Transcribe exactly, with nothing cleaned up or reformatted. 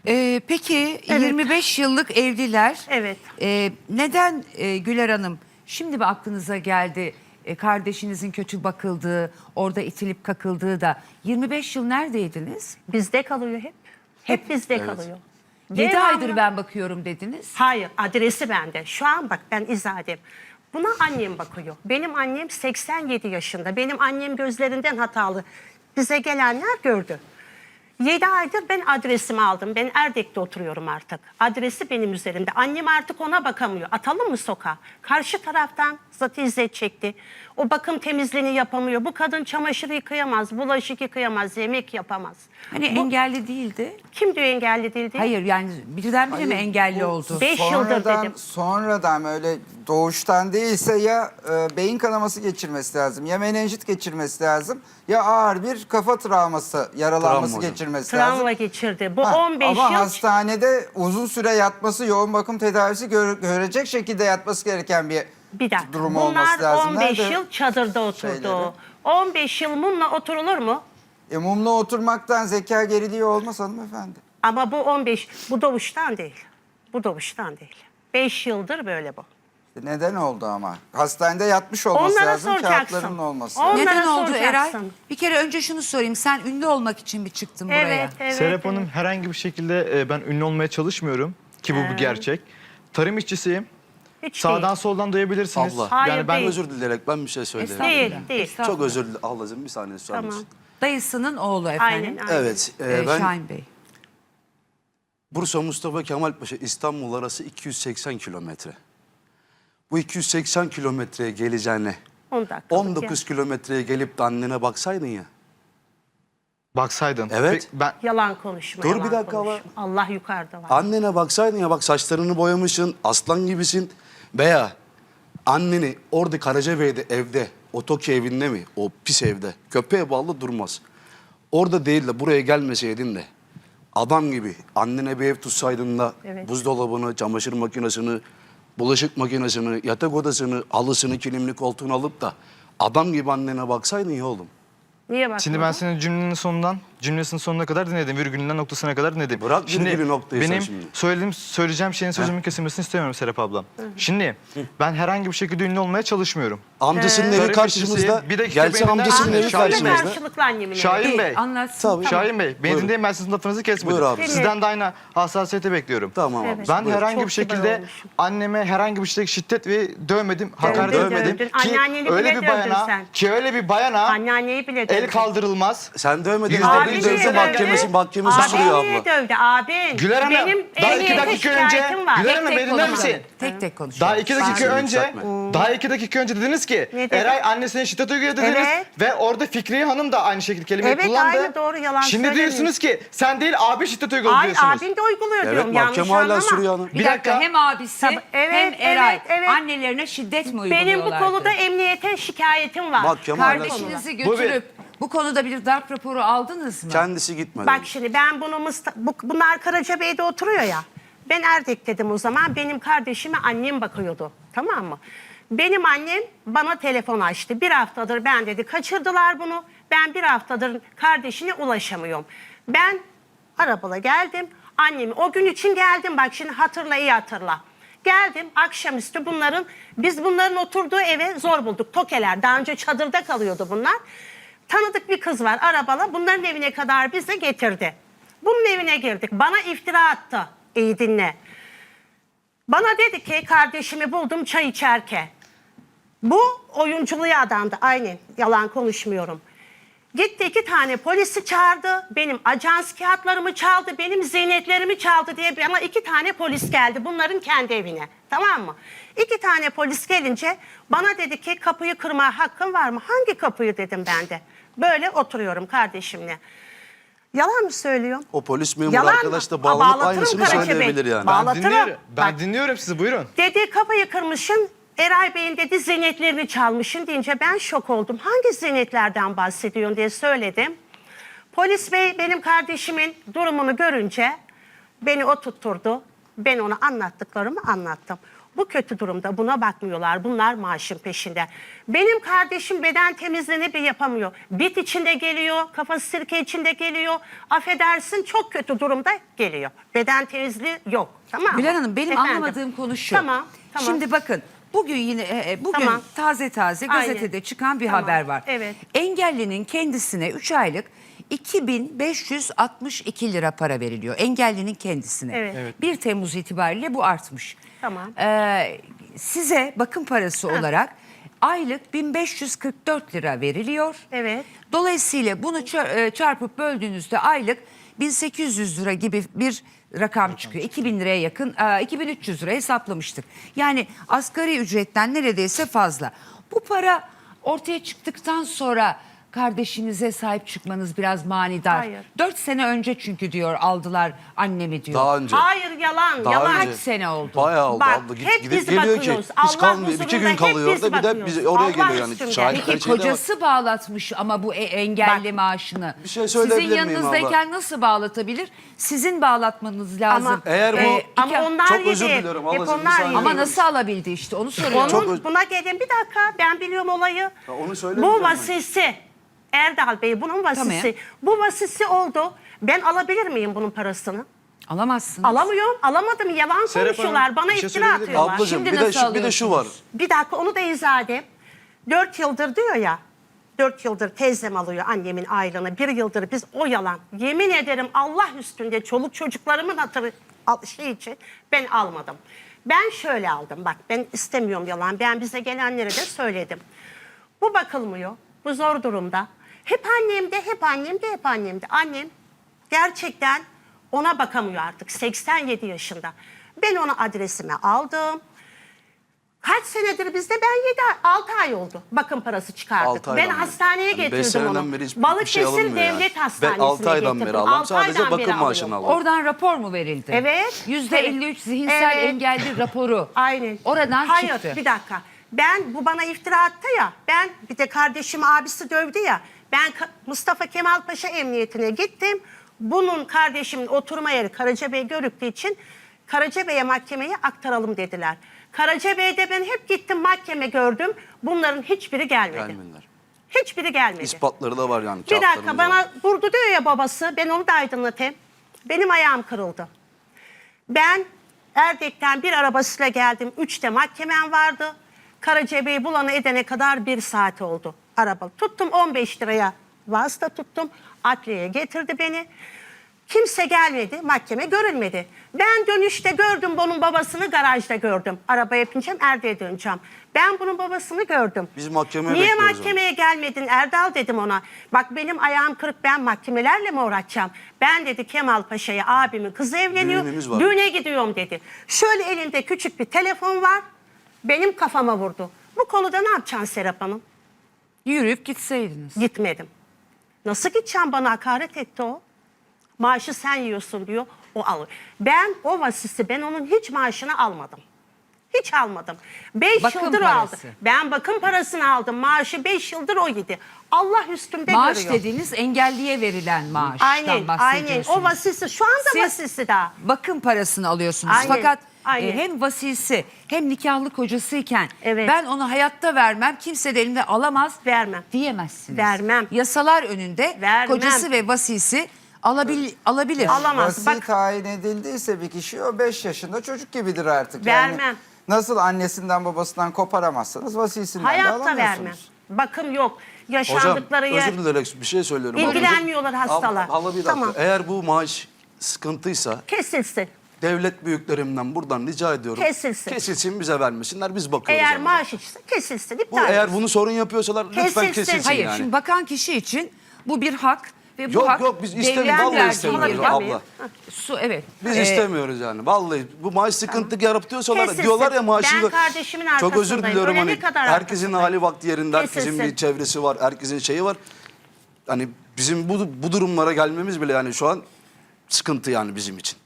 Ee, peki Evet. yirmi beş yıllık evliler. Evet. Ee, neden e, Güler Hanım şimdi mi aklınıza geldi e, kardeşinizin kötü bakıldığı, orada itilip kakıldığı da yirmi beş yıl neredeydiniz? Bizde kalıyor hep. Hep bizde Evet. kalıyor. yedi Devamlı- aydır ben bakıyorum dediniz. Hayır, adresi bende. Şu an bak ben izah edeyim. Buna annem bakıyor. Benim annem seksen yedi yaşında. Benim annem gözlerinden hatalı. Bize gelenler gördü. yedi aydır ben adresimi aldım. Ben Erdek'te oturuyorum artık. Adresi benim üzerimde. Annem artık ona bakamıyor. Atalım mı sokağa? Karşı taraftan zaten izzet çekti. O bakım temizliğini yapamıyor. Bu kadın çamaşır yıkayamaz, bulaşık yıkayamaz, yemek yapamaz. Hani Bu- engelli değildi. Kim diyor engelli değil diye? Hayır yani birdenbire mi Hayır, engelli bu oldu? Beş yıldır sonradan- dedim. Sonradan öyle doğuştan değilse ya e, beyin kanaması geçirmesi lazım, ya menenjit geçirmesi lazım, ya ağır bir kafa travması, yaralanması Travma hocam. geçirmesi lazım. Travma geçirdi. Bu Ha, on beş ama yıl hastanede uzun süre yatması, yoğun bakım tedavisi gör- görecek şekilde yatması gereken bir, bir dakika. durum Bunlar olması lazım. on beş Nerede yıl çadırda oturdu. şeyleri? on beş yıl mumla oturulur mu? E, mumla oturmaktan zeka geriliği olmaz hanımefendi. Ama bu on beş, bu doğuştan değil. Bu doğuştan değil. beş yıldır böyle bu. E, Neden oldu ama? Hastanede yatmış olması Onlara lazım, soracaksın. kağıtlarının olması On- lazım. Onlara Neden oldu soracaksın. Eray? Bir kere önce şunu sorayım. Sen ünlü olmak için mi çıktın buraya? Evet, evet. Serap evet. Hanım herhangi bir şekilde e, ben ünlü olmaya çalışmıyorum ki bu bir gerçek. Tarım işçisiyim. Hiç Sağdan değil. soldan duyabilirsiniz. Allah. Hayır, yani ben değil. Özür dileyerek ben bir şey söyleyeyim. Estağfurullah. Değil, değil. Estağfurullah. Çok özür dilerim. Ablacığım bir saniye susar Tamam. mısın? Dayısının oğlu efendim. Aynen, aynen. Evet. e, Ee, ben Şahin Bey. Bursa Mustafa Kemal Paşa İstanbul arası iki yüz seksen kilometre. Bu iki yüz seksen kilometreye geleceğine on dakika. on dokuz kilometreye gelip de annene baksaydın ya. Baksaydın. Evet. Pe- Ben Yalan konuşma. Dur yalan bir dakika konuşma. var. Allah yukarıda var. Annene baksaydın ya, bak saçlarını boyamışsın, aslan gibisin. Veya anneni orada Karacabey'de evde, o Tokyo evinde mi, o pis evde, köpeğe bağlı durmaz. Orada değil de buraya gelmeseydin de adam gibi annene bir ev tutsaydın da Evet. buzdolabını, çamaşır makinesini, bulaşık makinesini, yatak odasını, halısını, kilimli koltuğunu alıp da adam gibi annene baksaydın ya oğlum. Niye bakmadın? şimdi ben senin cümlenin sonundan cümlesinin sonuna kadar dinledim. Virgülünden noktasına kadar dinledim. Bırak Şimdi virgülü noktayı sen benim şimdi. söylediğim, söyleyeceğim şeyin sözümün kesilmesini istemiyorum Serap ablam. Şimdi ben herhangi bir şekilde ünlü olmaya çalışmıyorum. Amcasının evi Tarım karşımızda, işçisi, bir dakika gelse beni dinler amcasının misin? evi Şahin Bey. Annemle karşımızda. karşılıklı annemin evi. Şahin İyi, Bey. anlatsın. Tabii. Şahin Bey, beni Buyurun. dinleyin, ben sizin lafınızı kesmedim. Buyur abi. Sizden de aynı hassasiyete bekliyorum. Tamam abi. Evet. Ben Buyur. herhangi Çok bir şekilde olmuşum. anneme herhangi bir şekilde şiddet ve dövmedim, hakaret Dövdün, etmedim. dövdün. Ki Anneanneni öyle bile bir dövdün bayana, sen. ki öyle bir bayana Anneanneyi bile el dövdü. kaldırılmaz. Sen dövmedin. Yüzde Abin bir dövdü, dövdü. mahkemesi, mahkemesi Abin sürüyor niye abla. dövdü? Abin. Güler Hanım, Benim daha iki emniyete dakika önce- şikayetim var. Güler Hanım, Tek beni tek dinler konuşalım. misin? Tek tek konuşalım. Daha iki dakika Seni önce, yükseltme. daha iki dakika önce dediniz ki Ne dedi? Eray annesine şiddet uyguluyor dediniz Evet. ve orada Fikriye Hanım da aynı şekilde kelimeyi Evet, kullandı. aynı, doğru, yalan Şimdi söylemiyor. diyorsunuz ki sen değil abi şiddet uyguluyor Ay diyorsunuz. abin de uyguluyor Evet, diyorum. Yanlış mahkeme hala anlama. sürüyor hanım. Bir, Bir dakika, dakika. hem abisi Tabii, evet, hem Eray evet, evet. annelerine şiddet mi uyguluyorlardı? Benim bu konuda emniyete şikayetim var. Mahkeme hala Kardeşinizi Bu bir- götürüp bu konuda bir darp raporu aldınız mı? Kendisi gitmedi. Bak şimdi ben bunu Musta- bu, bunlar Karacabey'de oturuyor ya. Ben Erdek dedim o zaman. Benim kardeşime annem bakıyordu. Tamam mı? Benim annem bana telefon açtı. Bir haftadır ben dedi kaçırdılar bunu. Ben bir haftadır kardeşine ulaşamıyorum. Ben arabala geldim. Annemi o gün için geldim. Bak şimdi hatırla, iyi hatırla. Geldim akşamüstü bunların, biz bunların oturduğu eve zor bulduk. Tokeler, daha önce çadırda kalıyordu bunlar. Tanıdık bir kız var arabala, bunların evine kadar bizi getirdi. Bunun evine girdik, bana iftira attı. İyi dinle. Bana dedi ki kardeşimi buldum çay içerken. Bu oyunculuğa adandı, aynen, yalan konuşmuyorum. Gitti iki tane polisi çağırdı, benim ajans kağıtlarımı çaldı, benim ziynetlerimi çaldı diye bana iki tane polis geldi bunların kendi evine. Tamam mı? İki tane polis gelince bana dedi ki kapıyı kırma hakkın var mı? Hangi kapıyı dedim ben de. Böyle oturuyorum kardeşimle. Yalan mı söylüyorum? O polis memuru Yalan mı? arkadaş da Aa, bağlanıp bağlatırım aynısını Karaca Bey. söyleyebilir yani. Bağ- Ben Anlatırım. dinliyorum. Ben Bak. dinliyorum sizi, buyurun. Dedi kapıyı kırmışsın, Eray Bey'in dedi ziynetlerini çalmışsın deyince ben şok oldum. Hangi ziynetlerden bahsediyorsun diye söyledim. Polis bey benim kardeşimin durumunu görünce beni oturtturdu. Ben ona anlattıklarımı anlattım. Bu kötü durumda, buna bakmıyorlar. Bunlar maaşın peşinde. Benim kardeşim beden temizliğini bir yapamıyor. Bit içinde geliyor, kafası sirke içinde geliyor. Affedersin, çok kötü durumda geliyor. Beden temizliği yok. Tamam mı? Güler Hanım, benim Efendim? anlamadığım konu şu. Tamam, tamam. Şimdi bakın, bugün yine e, e, bugün Tamam. taze taze Aynen. gazetede çıkan bir Tamam, haber var. evet. Engellinin kendisine üç aylık iki bin beş yüz altmış iki lira para veriliyor. Engellinin kendisine. Evet. Evet. bir Temmuz itibariyle bu artmış. Tamam. Ee, size bakım parası olarak aylık bin beş yüz kırk dört lira veriliyor. Evet. Dolayısıyla bunu çar- e, çarpıp böldüğünüzde aylık bin sekiz yüz lira gibi bir rakam çıkıyor. iki bin liraya yakın, e, iki bin üç yüz lira hesaplamıştık. Yani asgari ücretten neredeyse fazla. Bu para ortaya çıktıktan sonra kardeşinize sahip çıkmanız biraz manidar. Hayır. Dört sene önce çünkü diyor aldılar annemi diyor. Daha önce. Hayır, yalan, Daha yalan. önce. Kaç sene oldu? Bayağı oldu Bak, abla. Gid- hep gidip biz geliyor ki bakıyoruz. hiç Allah kalmıyor. İki huzurunda gün kalıyor hep biz orada bir de bakıyoruz. biz oraya Allah geliyor yani. üstünde. Şahit Peki şeyde var. kocası bağlatmış ama bu e- engelli Bak, maaşını. bir şey söyleyebilir Sizin miyim yanınızdayken nasıl bağlatabilir? Sizin bağlatmanız lazım. Ama, Eğer bu- iki- ama onlar Çok yedi. özür diliyorum, Hep ablacığım, bir onlar saniye. yedi. ama nasıl alabildi işte onu soruyorum. Onun, Çok öz- buna gelin bir dakika, ben biliyorum olayı. Ya onu söylemeyeceğim Bu ben. vasisi, Erdal Bey bunun vasisi. Tamam. Bu vasisi oldu. Ben alabilir miyim bunun parasını? Alamazsınız. Alamıyorum. Alamadım. Yalan Serap konuşuyorlar. Hanım, Bana bir şey iftira söyleyebilir miyim? atıyorlar. Ablacığım Şimdi bir de, nasıl şu, bir de şu var. alıyorsunuz? Bir dakika onu da izah edeyim. Dört yıldır diyor ya. Dört yıldır teyzem alıyor annemin aylığını. Bir yıldır biz o yalan. Yemin ederim Allah üstünde çoluk çocuklarımın hatırı al- şey için ben almadım. Ben şöyle aldım. Bak ben istemiyorum yalan. Ben bize gelenlere de söyledim. Bu bakılmıyor. Bu zor durumda. Hep annemde, hep annemde, hep annemde. Annem gerçekten ona bakamıyor artık. seksen yedi yaşında. Ben onu adresime aldım. Kaç senedir bizde? Ben yedi altı ay oldu. Bakım parası çıkardık. Altı Ben aydan beri. hastaneye Yani beş getirdim seneden onu. beri hiçbir Balıkesir şey alınmıyor Devlet yani. Hastanesi'ne Ben altı aydan getirdim. beri alıyorum. Altı Sadece aydan bakım beri maaşını alıyorum. alıyorum. Oradan rapor mu verildi? Evet. yüzde elli üç zihinsel Evet. engelli raporu. Aynen. Oradan Hayır, çıktı. bir dakika. Ben bu bana iftira attı ya. Ben bir de kardeşim abisi dövdü ya. Ben Ka- Mustafa Kemal Paşa Emniyetine gittim. Bunun kardeşimin oturma yeri Karacabey Görüktüğü için Karacabey'e mahkemeye aktaralım dediler. Karacabey'de ben hep gittim mahkeme gördüm. Bunların hiçbiri gelmedi. Gelmediler. Hiçbiri gelmedi. İspatları da var yani. Bir dakika kağıtlarımız bana var. vurdu diyor ya babası. Ben onu da aydınlatayım. Benim ayağım kırıldı. Ben Erdek'ten bir arabasıyla geldim. Üçte mahkemem vardı. Karacabey'i bulana edene kadar bir saat oldu araba. Tuttum on beş liraya vasıta tuttum. Adliyeye getirdi beni. Kimse gelmedi. Mahkeme görülmedi. Ben dönüşte gördüm bunun babasını garajda gördüm. Arabaya bineceğim Erdek'e döneceğim. Ben bunun babasını gördüm. Biz mahkemeye Niye bekliyoruz mahkemeye gelmedin Erdal dedim ona. Bak benim ayağım kırık ben mahkemelerle mi uğraşacağım? Ben dedi Kemal Paşa'ya abimin kızı evleniyor. Düğünümüz var. Düğüne gidiyorum dedi. Şöyle elinde küçük bir telefon var. Benim kafama vurdu. Bu konuda ne yapacaksın Serap Hanım? Yürüyüp gitseydiniz. Gitmedim. Nasıl gideceğim bana hakaret etti o. Maaşı sen yiyorsun diyor. O alır. Ben o vasisi ben onun hiç maaşını almadım. Hiç almadım. Beş Bakım yıldır o parası. aldı. Ben bakım parasını aldım. Maaşı beş yıldır o yedi. Allah üstümde Maaş görüyor. dediğiniz engelliye verilen maaştan Aynen, aynen. bahsediyorsunuz. O vasisi şu anda Siz vasisi daha. bakım parasını alıyorsunuz. Aynen, Fakat aynen. e, hem vasisi hem nikahlı kocasıyken Evet. ben onu hayatta vermem, kimse de elimde alamaz Vermem. diyemezsiniz. Vermem. Yasalar önünde Vermem. kocası ve vasisi alabil, alabilir. Alamaz. Vasi Bak- tayin edildiyse bir kişi o beş yaşında çocuk gibidir artık. Vermem. Yani nasıl annesinden babasından koparamazsanız vasisinden de Hayatta alamıyorsunuz. vermem. Bakım yok. Hocam Yaşandıkları yer. özür dilerim bir şey söylüyorum. İlgilenmiyorlar hastalar. Abla, abla bir dakika. Tamam. Eğer bu maaş sıkıntıysa Kesilsin. devlet büyüklerimden buradan rica ediyorum. Kesilsin. Kesilsin bize vermesinler biz bakıyoruz. Eğer ona. maaş içse kesilsin. Bu, iptal eğer etsin. bunu sorun yapıyorsalar lütfen Kesilsin. kesilsin Hayır, yani. şimdi bakan kişi için bu bir hak ve bu Yok, hak yok, biz devletin istemiyoruz, vallahi verdiği istemiyoruz bir hak. abla. Su, evet. Biz Ee, istemiyoruz yani. Vallahi bu maaş sıkıntı yaratıyorsalar Kesilsin. diyorlar ya maaşı. Ben kardeşimin Çok özür arkasındayım. diliyorum Öyle hani ne kadar herkesin arkasındayım. hali vakti yerinde, herkesin Kesilsin. bir çevresi var, herkesin şeyi var. Hani bizim bu bu durumlara gelmemiz bile yani şu an sıkıntı yani bizim için.